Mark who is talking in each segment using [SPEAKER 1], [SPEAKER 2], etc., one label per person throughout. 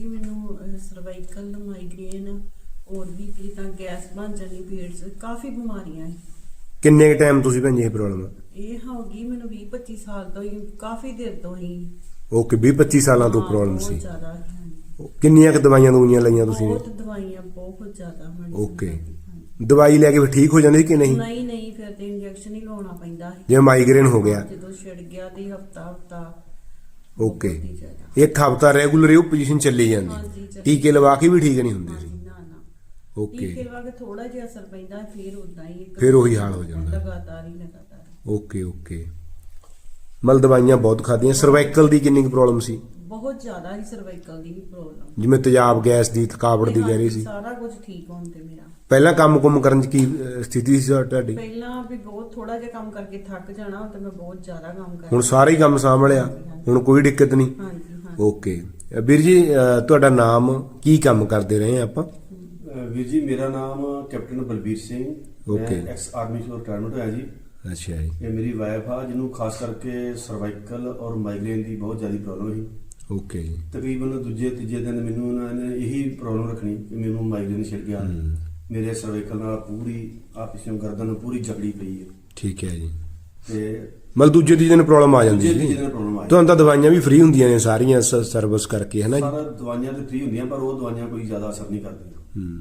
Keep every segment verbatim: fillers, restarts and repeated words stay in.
[SPEAKER 1] ਜੀ ਮੈਨੂੰ cervical migraine और भी की ਤਾਂ ਗੈਸ ਬਣ ਜਾਣੀ ਪੇਟ 'ਚ ਕਾਫੀ ਬਿਮਾਰੀਆਂ ਹੈ।
[SPEAKER 2] ਕਿੰਨੇ ਕ ਟਾਈਮ ਤੁਸੀਂ ਭੈਣ ਜੀ ਇਹ ਪ੍ਰੋਬਲਮ
[SPEAKER 1] ਇਹ ਹੋ ਗਈ ਮੈਨੂੰ ਵੀਹ ਪੱਚੀ ਸਾਲ ਤੋਂ ਹੀ ਕਾਫੀ ਦੇਰ ਤੋਂ ਹੀ।
[SPEAKER 2] ਓਕੇ ਵੀਹ ਪੱਚੀ ਸਾਲਾਂ ਤੋਂ ਪ੍ਰੋਬਲਮ ਸੀ।
[SPEAKER 1] ਬਹੁਤ ਜ਼ਿਆਦਾ ਹੈ।
[SPEAKER 2] ਕਿੰਨੀਆਂ ਕ ਦਵਾਈਆਂ ਦਵਾਈਆਂ ਲਈਆਂ ਤੁਸੀਂ?
[SPEAKER 1] ਬਹੁਤ ਦਵਾਈਆਂ ਬਹੁਤ ਜ਼ਿਆਦਾ ਮੈਡੀਸਿਨ।
[SPEAKER 2] ਓਕੇ ਦਵਾਈ ਲੈ ਕੇ ਫਿਰ ਠੀਕ ਹੋ ਜਾਂਦੀ ਕਿ ਨਹੀਂ?
[SPEAKER 1] ਨਹੀਂ ਨਹੀਂ ਫਿਰ ਤੇ ਇੰਜੈਕਸ਼ਨ ਹੀ ਲਾਉਣਾ ਪੈਂਦਾ ਹੈ।
[SPEAKER 2] ਜਿਵੇਂ ਮਾਈਗ੍ਰੇਨ ਹੋ ਗਿਆ
[SPEAKER 1] ਜਦੋਂ ਛਿੜ ਗਿਆ ਤੇ ਹਫਤਾ ਹਫਤਾ।
[SPEAKER 2] ਓਕੇ ਇੱਕ ਹਫਤਾ ਰੈਗੂਲਰ ਇਹ ਪੋਜੀਸ਼ਨ ਚੱਲੀ ਜਾਂਦੀ, ਟੀਕੇ ਲਵਾ ਕੇ ਵੀ ਠੀਕ ਨਹੀਂ ਹੁੰਦੇ ਸੀ? ਓਕੇ
[SPEAKER 1] ਟੀਕੇ ਲਵਾ ਕੇ ਥੋੜਾ ਜਿਹਾ ਅਸਰ ਪੈਂਦਾ ਫਿਰ ਉਦਾਂ ਹੀ
[SPEAKER 2] ਫਿਰ ਉਹੀ ਹਾਲ ਹੋ ਜਾਂਦਾ
[SPEAKER 1] ਲਗਾਤਾਰ ਹੀ ਲਗਾਤਾਰ।
[SPEAKER 2] ਓਕੇ ਓਕੇ ਮਤਲਬ ਦਵਾਈਆਂ ਬਹੁਤ ਖਾਧੀਆਂ। ਸਰਵਾਈਕਲ ਦੀ ਕਿੰਨੀ ਕੁ ਪ੍ਰੋਬਲਮ ਸੀ?
[SPEAKER 1] ਬਹੁਤ ਜ਼ਿਆਦਾ ਹੀ ਸਰਵਾਈਕਲ ਦੀ ਵੀ ਪ੍ਰੋਬਲਮ,
[SPEAKER 2] ਜਿਵੇਂ ਤੇਜ਼ਾਬ ਗੈਸ ਦੀ ਥਕਾਵਟ ਦੀ ਕਹਿ ਰਹੀ ਸੀ।
[SPEAKER 1] ਸਾਰਾ ਕੁਝ ਠੀਕ ਹੋਣ ਤੇ ਮੇਰਾ
[SPEAKER 2] ਪਹਿਲਾਂ ਕੰਮ ਕੁਮ ਕਰਨ ਚ ਕੀ ਅਹ, ਸਥਿਤੀ ਸੀ ਤੁਹਾਡੀ?
[SPEAKER 1] ਪਹਿਲਾਂ ਵੀ ਬਹੁਤ ਥੋੜਾ ਜਿਹਾ ਕੰਮ ਕਰਕੇ ਥੱਕ ਜਾਣਾ ਤੇ ਮੈਂ ਬਹੁਤ ਜ਼ਿਆਦਾ ਕੰਮ ਕਰਦੀ।
[SPEAKER 2] ਹੁਣ ਸਾਰਾ ਹੀ ਕੰਮ ਸਾਂਭ ਲਿਆ, ਹੁਣ ਕੋਈ ਦਿੱਕਤ ਨਹੀਂ?
[SPEAKER 1] ਹਾਂਜੀ ਹਾਂ।
[SPEAKER 2] ਓਕੇ ਵੀਰ ਜੀ ਅਹ, ਤੁਹਾਡਾ ਨਾਮ ਕੀ ਕੰਮ ਕਰਦੇ ਰਹੇ ਆਪਾਂ?
[SPEAKER 3] ਵੀਰ ਜੀ ਮੇਰਾ ਨਾਮ ਕੈਪਟਨ ਬਲਬੀਰ ਸਿੰਘ,
[SPEAKER 2] ਓਕੇ।
[SPEAKER 3] ਮੈਂ ਐਕਸ ਆਰਮੀ ਚੋਂ ਰਿਟਾਇਰਮੈਂਟ ਹੋਇਆ ਜੀ।
[SPEAKER 2] ਅੱਛਾ ਜੀ।
[SPEAKER 3] ਇਹ ਮੇਰੀ ਵਾਈਫ ਆ ਜਿਹਨੂੰ ਖਾਸ ਕਰਕੇ ਸਰਵਾਈਕਲ ਔਰ ਮਾਈਗ੍ਰੇਨ ਦੀ ਬਹੁਤ ਜ਼ਿਆਦਾ ਪ੍ਰੋਬਲਮ ਸੀ।
[SPEAKER 2] ਓਕੇ ਜੀ।
[SPEAKER 3] ਤਕਰੀਬਨ ਦੂਜੇ ਤੀਜੇ ਦਿਨ ਮੈਨੂੰ ਉਹਨਾਂ ਨੇ ਇਹੀ ਪ੍ਰੋਬਲਮ ਰੱਖਣੀ ਕਿ ਮੈਨੂੰ ਮਾਈਗ੍ਰੇਨ ਛਿੜ ਗਿਆ। ਮੇਰੇ ਸਰਵਾਈਕਲ ਨਾਲ ਪੂਰੀ ਆ ਪਿਛੋਂ ਗਰਦਨ ਪੂਰੀ ਜਕੜੀ ਪਈ ਹੈ।
[SPEAKER 2] ਠੀਕ ਹੈ ਜੀ।
[SPEAKER 3] ਤੇ
[SPEAKER 2] ਮਤਲਬ ਦੂਜੇ ਤੀਜੇ ਦਿਨ ਪ੍ਰੋਬਲਮ ਆ ਜਾਂਦੀ
[SPEAKER 3] ਦੂਜੇ
[SPEAKER 2] ਸੀ?
[SPEAKER 3] ਤੀਜੇ ਦਿਨ ਪ੍ਰੋਬਲਮ ਆ
[SPEAKER 2] ਤੁਹਾਨੂੰ ਤਾਂ ਦਵਾਈਆਂ ਵੀ ਫ੍ਰੀ ਹੁੰਦੀਆਂ ਨੇ ਸਾਰੀਆਂ ਸਰਵਿਸ ਕਰਕੇ, ਹੈ ਨਾ ਜੀ?
[SPEAKER 3] ਸਾਰਾ ਦਵਾਈਆਂ ਤੇ ਫ੍ਰੀ ਹੁੰਦੀਆਂ ਪਰ ਉਹ ਦਵਾਈਆਂ ਕੋਈ ਜ਼ਿਆਦਾ ਅਸਰ ਨਹੀਂ ਕਰਦੀਆਂ।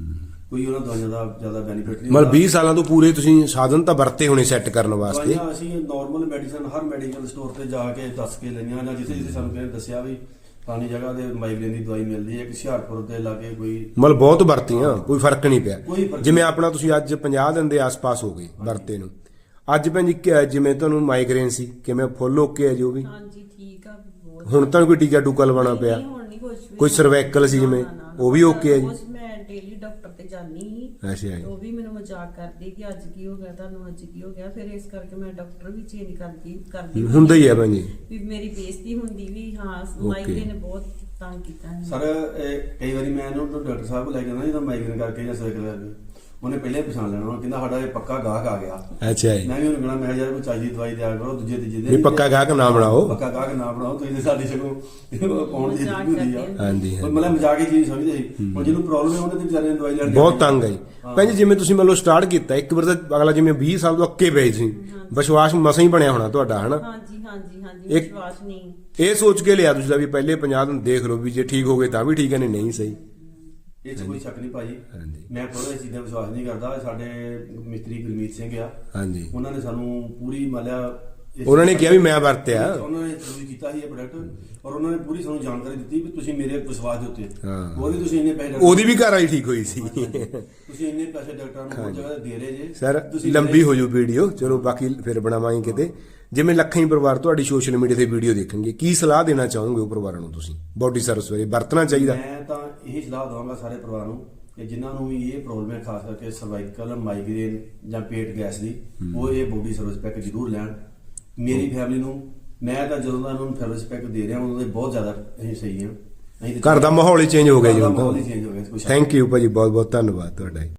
[SPEAKER 3] ਕੋਈ ਉਹਨਾਂ ਦਵਾਈਆਂ ਦਾ ਜ਼ਿਆਦਾ ਬੈਨੀਫਿਟ ਨਹੀਂ।
[SPEAKER 2] ਮਤਲਬ ਵੀਹ ਸਾਲਾਂ ਤੋਂ ਪੂਰੇ ਤੁਸੀਂ ਸਾਧਨ ਤਾਂ ਵਰਤੇ ਹੋਣੇ ਸੈੱਟ ਕਰਨ ਵਾਸਤੇ?
[SPEAKER 3] ਦਵਾਈਆਂ ਅਸੀਂ ਨਾਰਮਲ ਮੈਡੀਸਨ ਹਰ ਮੈਡੀਕਲ ਸਟੋਰ ਤੇ ਜਾ ਕੇ ਦੱਸ ਕੇ ਲਈਆਂ ਜਾਂ ਜਿੱਥੇ ਜਿੱਥੇ ਸਾਨੂੰ ਕਿਸੇ ਨੇ ਦੱਸਿਆ ਵੀ ਫਲਾਣੀ ਜਗ੍ਹਾ ਤੇ ਮਾਈਗ੍ਰੇਨ ਦੀ ਦਵਾਈ ਮਿਲਦੀ ਹੈ, ਕਿ ਹੁਸ਼ਿਆਰਪੁਰ ਦੇ ਲਾਗੇ ਕੋਈ
[SPEAKER 2] ਮਤਲਬ ਬਹੁਤ ਵਰਤੀਆਂ, ਕੋਈ ਫਰਕ ਨਹੀਂ ਪਿਆ?
[SPEAKER 3] ਕੋਈ ਫਰਕ
[SPEAKER 2] ਜਿਵੇਂ ਆਪਣਾ ਤੁਸੀਂ ਅੱਜ ਪੰਜਾਹ ਦਿਨ ਦੇ ਆਸ-ਪਾਸ ਹੋ ਗਏ ਵਰਤੇ ਨੂੰ, ਅੱਜ ਭੈਣ ਜੀ ਕਿ- ਜਿਵੇਂ ਤੁਹਾਨੂੰ ਮਾਈਗ੍ਰੇਨ ਸੀ ਕਿਵੇਂ ਫੁੱਲ ਓਕੇ ਹੈ ਜੋ ਵੀ?
[SPEAKER 1] ਹਾਂਜੀ ਠੀਕ ਆ ਬਹੁਤ।
[SPEAKER 2] ਹੁਣ ਤੁਹਾਨੂੰ ਕੋਈ ਟੀਕਾ ਟੂਕਾ ਲਵਾਉਣਾ ਪਿਆ?
[SPEAKER 1] ਨਹੀਂ, ਹੁਣ ਨਹੀਂ ਕੁਝ ਵੀ।
[SPEAKER 2] ਕੋਈ ਸਰਵਾਈਕਲ ਸੀ ਜਿਵੇਂ,
[SPEAKER 1] ਨਾ, ਨਾ, ਨਾ,
[SPEAKER 2] ਉਹ ਵੀ ਓਕੇ ਹੈ ਜੀ?
[SPEAKER 1] ਉਸ ਮੈਂ ਡੇਲੀ ਡਾਕਟਰ ਤੇ ਜਾਂਦੀ ਸੀ।
[SPEAKER 2] ਅੱਛਾ ਜੀ।
[SPEAKER 1] ਉਹ ਵੀ ਮੈਨੂੰ ਮਜ਼ਾਕ ਕਰਦੀ ਕਿ ਅੱਜ ਕੀ ਹੋ ਗਿਆ ਤੁਹਾਨੂੰ, ਅੱਜ ਕੀ ਹੋ ਗਿਆ। ਫਿਰ ਇਸ ਕਰਕੇ ਮੈਂ ਡਾਕਟਰ ਵੀ ਚੇਂਜ ਕਰਦੀ ਕਰਦੀ
[SPEAKER 2] ਹੁੰਦਾ ਹੀ ਹੈ ਭੈਣ ਜੀ।
[SPEAKER 1] ਵੀ ਮੇਰੀ ਬੇਇੱਜ਼ਤੀ ਹੁੰਦੀ ਵੀ ਹਾਂ ਮਾਈਗ੍ਰੇਨ ਨੇ ਬਹੁਤ ਤੰਗ ਕੀਤਾ ਹੈ।
[SPEAKER 3] ਸਰ ਇਹ ਕਈ ਵਾਰੀ ਮੈਂ ਇਹਨੂੰ ਡਾਕਟਰ ਸਾਹਿਬ ਕੋਲ ਲੈ ਕੇ ਜਾਂਦਾ ਜਦੋਂ ਮਾਈਗ੍ਰੇਨ ਕਰਕੇ ਜਾਂ ਸਰਵਾਈਕਲ ਕਰਕੇ, ਉਹਨੇ ਪਹਿਲੇ ਪਛਾਣ ਲੈਣਾ, ਉਹ ਕਹਿੰਦਾ ਸਾਡਾ ਇਹ ਪੱਕਾ ਗਾਹਕ ਆ ਗਿਆ।
[SPEAKER 2] ਅੱਛਾ ਜੀ।
[SPEAKER 3] ਮੈਂ ਵੀ ਉਹਨੂੰ ਕਹਿਣਾ ਮੈਂ ਯਾਰ ਕੋਈ ਚਾਹੀਦੀ ਦਵਾਈ ਦਿਆ ਕਰੋ ਦੂਜੇ ਤੀਜੇ
[SPEAKER 2] ਵੀ
[SPEAKER 3] ਦਿਨ।
[SPEAKER 2] ਪੱਕਾ ਗਾਹਕ ਨਾ ਬਣਾਓ।
[SPEAKER 3] ਪੱਕਾ ਗਾਹਕ ਨਾ ਬਣਾਓ ਤੁਸੀਂ ਤੇ ਸਾਡੀ ਸਗੋਂ ਪਾਉਣ ਦੀ
[SPEAKER 1] ਮਜ਼ਾਕ
[SPEAKER 3] ਹੁੰਦੀ ਆ।
[SPEAKER 1] ਕਰਦੇ
[SPEAKER 2] ਹਾਂਜੀ
[SPEAKER 3] ਪਰ ਮਤਲਬ ਮਜ਼ਾਕ ਹੀ ਚੀਜ਼ ਸਮਝਦੇ ਸੀ। ਹੁਣ ਜਿਹਨੂੰ ਪ੍ਰੋਬਲਮ ਹੈ ਉਹਨੇ ਤੇ ਵਿਚਾਰੇ ਨੇ ਦਵਾਈ ਲੈਣ ਦੀ
[SPEAKER 2] ਬਹੁਤ ਤੰਗ ਹੈ ਜੀ। ਭੈਣ ਜੀ ਜਿਵੇਂ ਤੁਸੀਂ ਮੰਨ ਲਓ ਸਟਾਰਟ ਕੀਤਾ ਇੱਕ ਵਾਰ ਤਾਂ ਅਗਲਾ ਜਿਵੇਂ ਵੀਹ ਸਾਲ ਤੋਂ ਅੱਕੇ ਪਏ ਸੀ, ਵਿਸ਼ਵਾਸ ਮਸਾਂ ਹੀ ਬਣਿਆ ਹੋਣਾ ਤੁਹਾਡਾ, ਹਨਾ?
[SPEAKER 1] ਹਾਂਜੀ ਹਾਂਜੀ ਹਾਂਜੀ
[SPEAKER 2] ਇੱਕ-
[SPEAKER 1] ਵਿਸ਼ਵਾਸ ਨਹੀਂ।
[SPEAKER 2] ਇਹ ਸੋਚ ਕੇ ਲਿਆ ਤੁਸੀਂ ਵੀ ਪਹਿਲੇ ਪੰਜਾਹ ਦਿਨ ਦੇਖ ਲਓ ਵੀ ਜੇ ਠੀਕ ਹੋ ਗਏ ਤਾਂ ਵੀ ਠੀਕ ਹੈ, ਨਹੀਂ ਨਹੀਂ ਸਹੀ।
[SPEAKER 3] ਇਹ 'ਚ ਕੋਈ ਸ਼ੱਕ ਨਹੀਂ ਭਾਜੀ।
[SPEAKER 2] ਹਾਂਜੀ।
[SPEAKER 3] ਮੈਂ ਥੋੜਾ ਚੀਜ਼ਾਂ ਵਿਸ਼ਵਾਸ ਨਹੀਂ ਕਰਦਾ। ਸਾਡੇ ਮਿਸਤਰੀ ਗੁਰਮੀਤ ਸਿੰਘ ਆ,
[SPEAKER 2] ਹਾਂਜੀ।
[SPEAKER 3] ਉਹਨਾਂ ਨੇ ਸਾਨੂੰ ਪੂਰੀ ਮਾਲਿਆ
[SPEAKER 2] ਉਹਨਾਂ ਨੇ ਕਿਹਾ ਵੀ ਮੈਂ ਵਰਤਿਆ।
[SPEAKER 3] ਉਹਨਾਂ ਨੇ ਯੂਜ਼ ਕੀਤਾ ਸੀ ਇਹ ਪ੍ਰੋਡਕਟ ਔਰ ਉਹਨਾਂ ਨੇ ਪੂਰੀ ਸਾਨੂੰ ਜਾਣਕਾਰੀ ਦਿੱਤੀ ਵੀ ਤੁਸੀਂ ਮੇਰੇ ਵਿਸ਼ਵਾਸ ਦੇ ਉੱਤੇ
[SPEAKER 2] ਹਾਂ।
[SPEAKER 3] ਉਹਦੀ ਤੁਸੀਂ ਇੰਨੇ ਪੈਸੇ
[SPEAKER 2] ਉਹਦੀ ਵੀ ਘਰ ਵਾਲੀ ਠੀਕ ਹੋਈ ਸੀ।
[SPEAKER 3] ਤੁਸੀਂ ਇੰਨੇ ਪੈਸੇ ਡਾਕਟਰਾਂ ਨੂੰ ਬਹੁਤ ਜਗ੍ਹਾ ਤੇ ਦੇ ਰਹੇ ਜੇ
[SPEAKER 2] ਸਰ
[SPEAKER 3] ਤੁਸੀਂ
[SPEAKER 2] ਲੰਬੀ ਹੋ ਜੂ ਵੀਡੀਓ, ਚਲੋ ਬਾਕੀ ਫਿਰ ਬਣਾਵਾਂਗੇ ਕਿਤੇ। ਜਿਵੇਂ ਲੱਖਾਂ ਹੀ ਪਰਿਵਾਰ ਤੁਹਾਡੀ ਸੋਸ਼ਲ ਮੀਡੀਆ ਤੇ ਵੀਡੀਓ ਦੇਖਣਗੇ, ਕੀ ਸਲਾਹ ਦੇਣਾ ਚਾਹੋਗੇ ਉਹ ਪਰਿਵਾਰਾਂ ਨੂੰ ਤੁਸੀਂ ਬੋਡੀ ਸਰਵਿਸ ਬਾਰੇ ਵਰਤਣਾ ਚਾਹੀਦਾ?
[SPEAKER 3] ਮੈਂ ਤਾਂ ਇਹੀ ਸਲਾਹ ਦਵਾਂਗਾ ਸਾਰੇ ਪਰਿਵਾਰ ਨੂੰ ਕਿ ਜਿਨ੍ਹਾਂ ਨੂੰ ਵੀ ਇਹ ਪ੍ਰੋਬਲਮ ਹੈ, ਖਾਸ ਕਰਕੇ ਸਰਵਾਈਕਲ ਮਾਈਗ੍ਰੇਨ ਜਾਂ ਪੇਟ ਗੈਸ ਦੀ, ਉਹ ਇਹ ਬੋਡੀ ਸਰਵਿਸ ਪੈਕ ਜ਼ਰੂਰ ਲੈਣ। ਮੇਰੀ ਫੈਮਿਲੀ ਨੂੰ ਮੈਂ ਤਾਂ ਜਦੋਂ ਦਾ ਇਹਨਾਂ ਨੂੰ ਸਰਵਿਸ ਪੈਕ ਦੇ ਰਿਹਾ ਉਹਨਾਂ ਦੇ ਬਹੁਤ ਜ਼ਿਆਦਾ ਅਸੀਂ ਸਹੀ ਹਾਂ।
[SPEAKER 2] ਘਰ ਦਾ ਮਾਹੌਲ ਹੀ ਚੇਂਜ ਹੋ ਗਿਆ ਜੀ ਹੁਣ
[SPEAKER 3] ਮਾਹੌਲ ਹੀ
[SPEAKER 2] ਤਾਂ।
[SPEAKER 3] ਚੇਂਜ ਹੋ ਗਿਆ।
[SPEAKER 2] ਥੈਂਕ ਯੂ ਭਾਜੀ, ਬਹੁਤ ਬਹੁਤ ਧੰਨਵਾਦ ਤੁਹਾਡਾ।